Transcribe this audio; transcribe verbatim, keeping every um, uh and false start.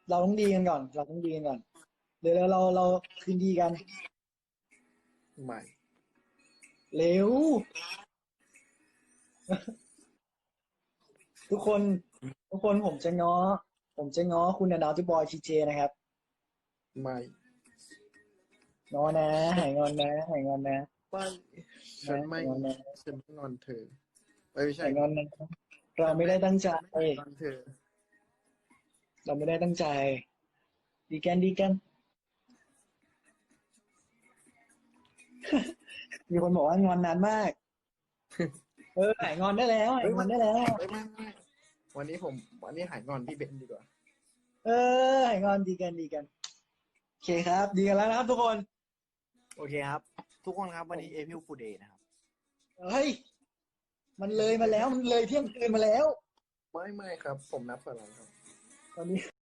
เราต้องดีกันก่อนเราต้องดีกันก่อนเดี๋ยวเราเราเราคืนดีกันไม่เร็วทุกคนทุกคนผมจะง้อผมจะง้อคุณนะดาวที่บอยทีเจนะครับไม่ง้อนะหายงอนนะหายงอนนะไม่ฉันะนไม่หายงอนนะฉันไม่งอนเธอเอ้ยไม่ใช่หายงอนนะเราไม่ได้ตั้งใจฉันไม่หายงอนเธอเราไม่ได้ตั้งใจดีกันดีกันมีคนบอกว่างอนนานมากเออหายงอนได้แล้วหายเฮ้ยมันงอนได้แล้วเฮ้ยไม่ไม่วันนี้ผมวันนี้หายงอนพี่เบนดีกว่าเออหายงอนดีกันดีกันโอเคครับดีกันแล้วนะครับทุกคนโอเคครับทุกคนครับวันนี้เอพิลฟูเดย์นะครับเฮ้ยมันเลยมาแล้วมันเลยเที่ยงคืนมาแล้วไม่ไม่ครับผมนับถอยหลังครับตอนนี้